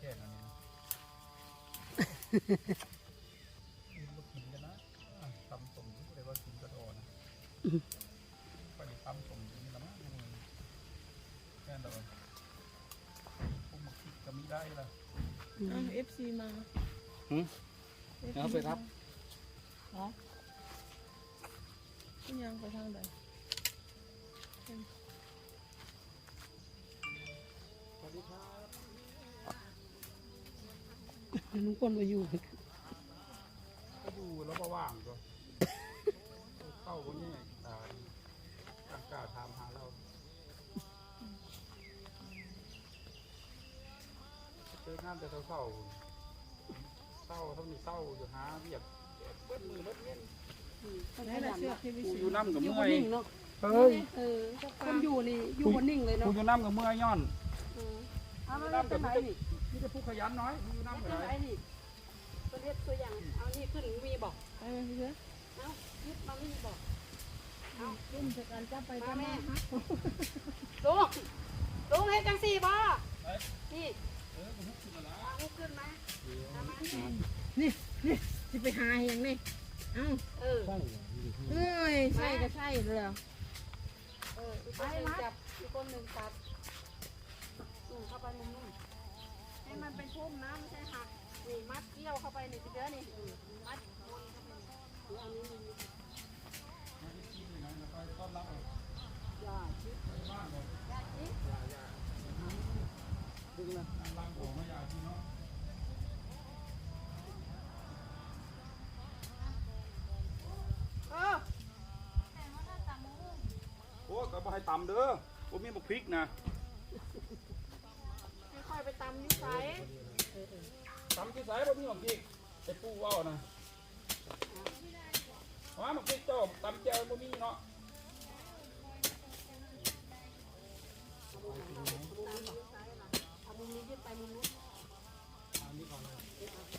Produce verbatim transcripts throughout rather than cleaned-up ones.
ค่นั้นนี่มากินกันนะตำสมเลยว่ากินกระโดดนะไปตำสมนี่ละมั้งแค่นั้นเลยพวกมาคิดก็ไม่ได้ละเอฟซีมาหืมเอาไปครับอ๋อยังไปทางใดสวัสดีครับลุงพลมาอยู่ก็ดูแล้วก็ว่างก็เข้าคนนี้ตาตั้งกล้าถามหาเราเจองานแต่เศร้าเศร้าเศร้าเท่านี้เศร้าอยู่หาเรียกเบิ้ลมือเบิ้ลเงี้ยอยู่น้ำกับเมื่อยเฮ้ยคนอยู่นี่อยู่บนนิ่งเลยเนาะอยู่น้ำกับเมื่อยย้อนอยู่น้ำกับนี่นี่จะพูดขยันน้อยอยู่น้ำกับอะไรนี่ตัวเล็กตัวอย่างเอานี่ขึ้นมีบอกเออเยอะเอายึดมาไม่มีบอกเอาขึ้นจากการจับไปจับแม่มาลุงลุงให้จังสี่บ่นี่เออผมขึ้นมาแล้วขึ้นมานี่นี่จะไปหาอย่างนี้เอ้าเออเอ้ยใช่ก็ใช่เลยเอออีกคนหนึ่งจับอีกคนหนึ่งตัดอืมเข้าไปมุมนู้นให้มันเป็นพุ่มนะไม่ใช่หักนี่มัดเกี่ยวเข้าไปนี่ทีเดียวนี่มัดวนเข้าไปหรือเอานี้นี่ยาชิดยาชิดดึงนะลังของมายาชิดเนาะเออโอ้ก็บ่ให้ตำเด้อผมมีบักพริกนะค่อยไปตำนิสัยตำที่สายผมมีบักพริกไอ้ปูว่าวนะว่าบักพริกโจ้ตำเจียวผมมีเนาะเอามุมนี้ยึดไปมุมนู้นอันนี้ก่อนเลย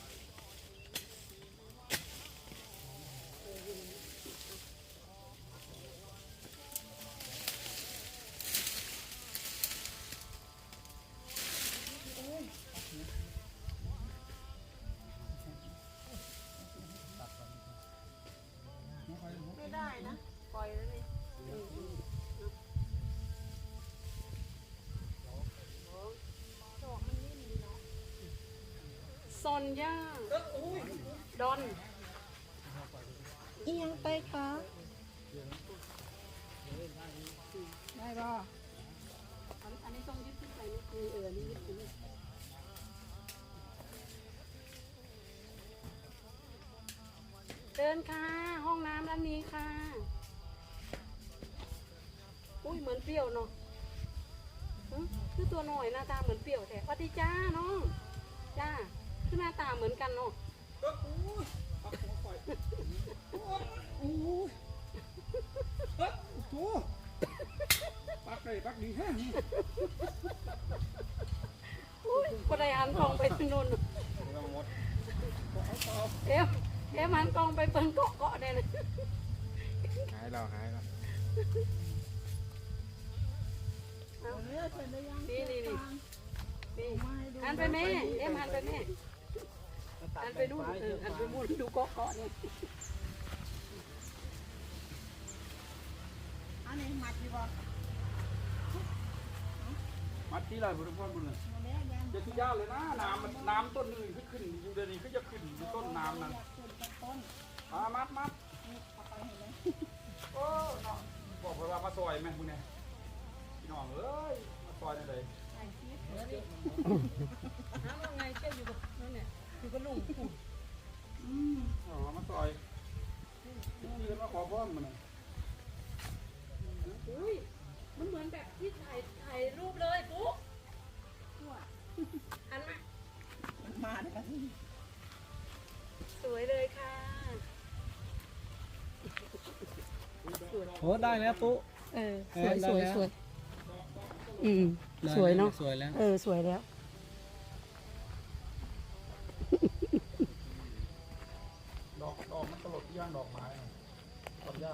ไม่ได้นะปล่อยแล้วนี่ซอนย่าดอนอียังไปคะได้ป่ะอันนี้ต้องยึดขึ้นไปนี่คือเออนี่ยึดขึ้นเดินค่ะห้องน้ำร้านนี้ค่ะอุ้ยเหมือนเปรี้ยวเนาะคือตัวหน่อยหน้าตาเหมือนเปรี้ยวแต่สวัสดีจ้าน้องจ้าคือหน้าตาเหมือนกันเนาะก็อู้ปักหัวปล่อยอู้เฮ้ยโอ้ปักเลยปักดีแฮะอุ้ยคนใดหันกองไปทางโน้นเอ๊ะเอ๊ะหันกองไปเปิ้ลเกาะเกาะได้เลยหายแล้วหายแล้วนี่นี่นี่นี่หันไปแม่เอ๊ะหันไปแม่หันไปนู่นเออหันไปนู่นดูเกาะเกาะเนี่ยอันนี้มัดดีป่ะมัดที่ไรบุรุษพ่อบุรุษจะทุกยาเลยนะน้ำมันน้ำต้นนึงขึ้นขึ้นอยู่เดี๋ยวนี้ขึ้นจะขึ้นต้นน้ำนั้นมามัดมัดโอ้บอกไปว่ามาซอยไหมมึงเนี่ยพี่น้องเอ้ยมาซอยได้เลยน้ำว่าไงเจ้าอยู่กับนั่นเนี่ยอยู่กับลุงอืมอ๋อมาซอยยืนมาขอพ่อมันอุ้ยมันเหมือนแบบที่ถ่ายถ่ายรูปเลยปุ๊หันมามาเลยค่ะสวยเลยค่ะโอ้ได้แล้วปุ๊เออสวยสวยสวยอืมสวยเนาะสวยแล้วเออสวยแล้วดอกดอกมันตลดย่างดอกไม้ต้นหญ้า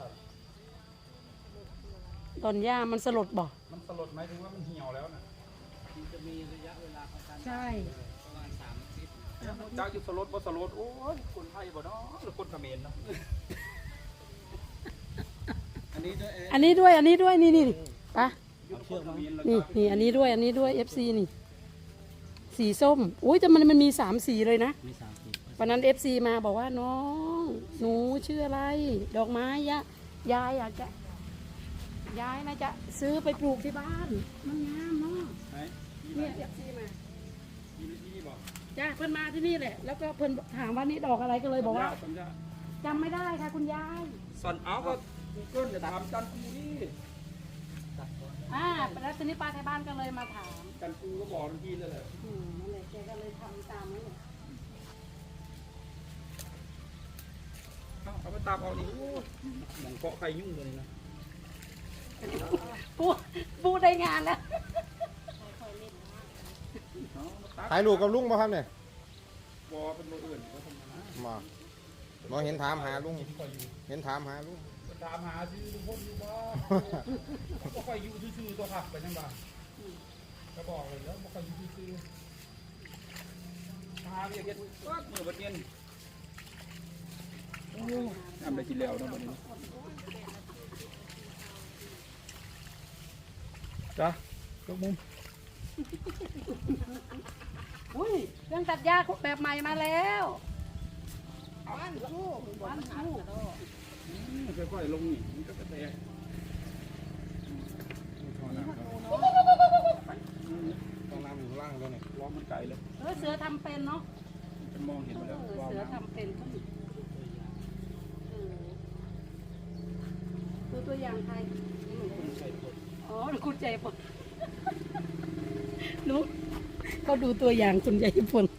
ตอนย่ามันสลดบ่มันสลดไหมถึงว่ามันเหี่ยวแล้วนะมันจะมีระยะเวลาของการใช่จ้าอยู่สลดบ่สลดโอ้ยคนไทยบ่เนาะหรือคนเขมรเนาะอันนี้ด้วยอันนี้ด้วยอันนี้ด้วยนี่นี่ปะอยู่คนเขมรแล้วนี่นี่อันนี้ด้วยอันนี้ด้วย เอฟ ซี นี่ สีส้มอุ้ยแต่มันมันมีสามสีเลยนะมีสามสีวันนั้น เอฟ ซี มาบอกว่าน้อง หนูชื่ออะไร ดอกไม้ยะยายอยากจะยายนะจะซื้อไปปลูกที่บ้าน มันงามเนาะไหนเนี่ย เอฟ ซี มามีที่นี่บอกจ้าเพิ่นมาที่นี่แหละ แล้วก็เพิ่นถามว่านี่ดอกอะไรก็เลยบอกว่าสัญญาจำไม่ได้ค่ะคุณยายสัญเอาก็กูเกิลจะถามจันกูนี่อ่าแล้วทีนี้ป้าไทยบ้านก็เลยมาถามจันกูก็บอกทันทีเลยแหละอืมนั่นแหละแกก็เลยทำตามนั้นแหละเอาเอาไปตามเอาดิโอ้ยหมองเกาะใครยุ่งเลยนะปูปูได้งานแล้วเอาตักถ่ายรูปกับลุงป่ะครับเนี่ยบอเป็นโมอื่นก็ทำนะมามาเห็นถามหาลุง เห็นถามหาลุงก็ถามหาซื้อลุงพลอยู่บ่บ่ค่อยอยู่ซื่อๆตัวผักไปนั่นบ้างก็บอกเลยแล้วบ่ค่อยอยู่ซื่อๆหาเรียกเฮ็ดก็มือบัดเย็นโอ้ทำได้กินแล้วเนาะบัดนี้จ้ะยกมุมอุ้ยเครื่องตัดหญ้าแบบใหม่มาแล้ววันคู่วันคู่ค่อยๆลงนี่มันก็กระแตกพอแล้วครับต้องน้ำอยู่ข้างล่างด้วยเนี่ยร้องมันไกลเลยเออเสือทำเป็นเนาะมันมองเห็นเอมาแล้วอว่าเสือน้ำทำเป็นก็ดูตัวอย่างใครอ๋อคุณใจปนหนูก็ดูตัวอย่างคุณใจปน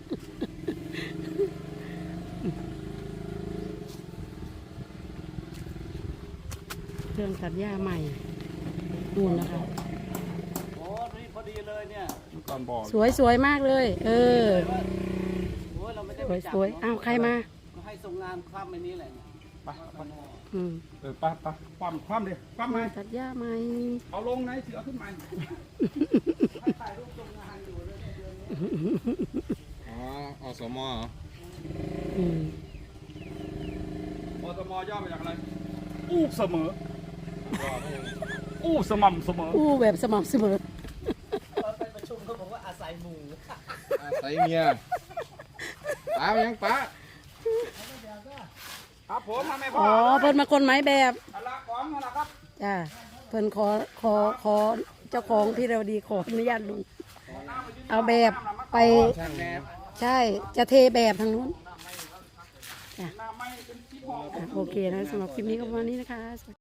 เครื่องตัดหญ้าใหม่นู่นนะคะโอ้นี่พอดีเลยเนี่ยก่อนบอกสวยสวยมากเลย เออโอ้ยเราไม่ได้สไปวยจับสวยอ้าวใครมาก็ให้ส่งงานคว่ำไปนี้แหละเนี่ยไปไปอืมเออไปไปความความเลยความไหมตัดหญ้าใหม่เอาลงไหนเสือขึ้นมาอ๋ออสมเหรออืมอสมย่อมาจากอะไรอู้เสมออู้สม่ำเสมออู้แบบสม่ำเสมอเราไปประชุมเขาบอกว่าอาศัยหมู่อาศัยเมียป้าไปยังป้าครับผมทำไมพ่ออ๋อเพิ่นมาคนไม้แบบอะละของอะไรครับจ้าเพิ่นขอขอขอเจ้าของพี่เราดีขออนุญาตลุงเอาแบบไปช่างแนบใช่จะเทแบบทางนู้นจ้ะน้ำไม่เป็นที่พออ่ะโอเคนะสำหรับคลิปนี้ก็ประมาณนี้นะคะ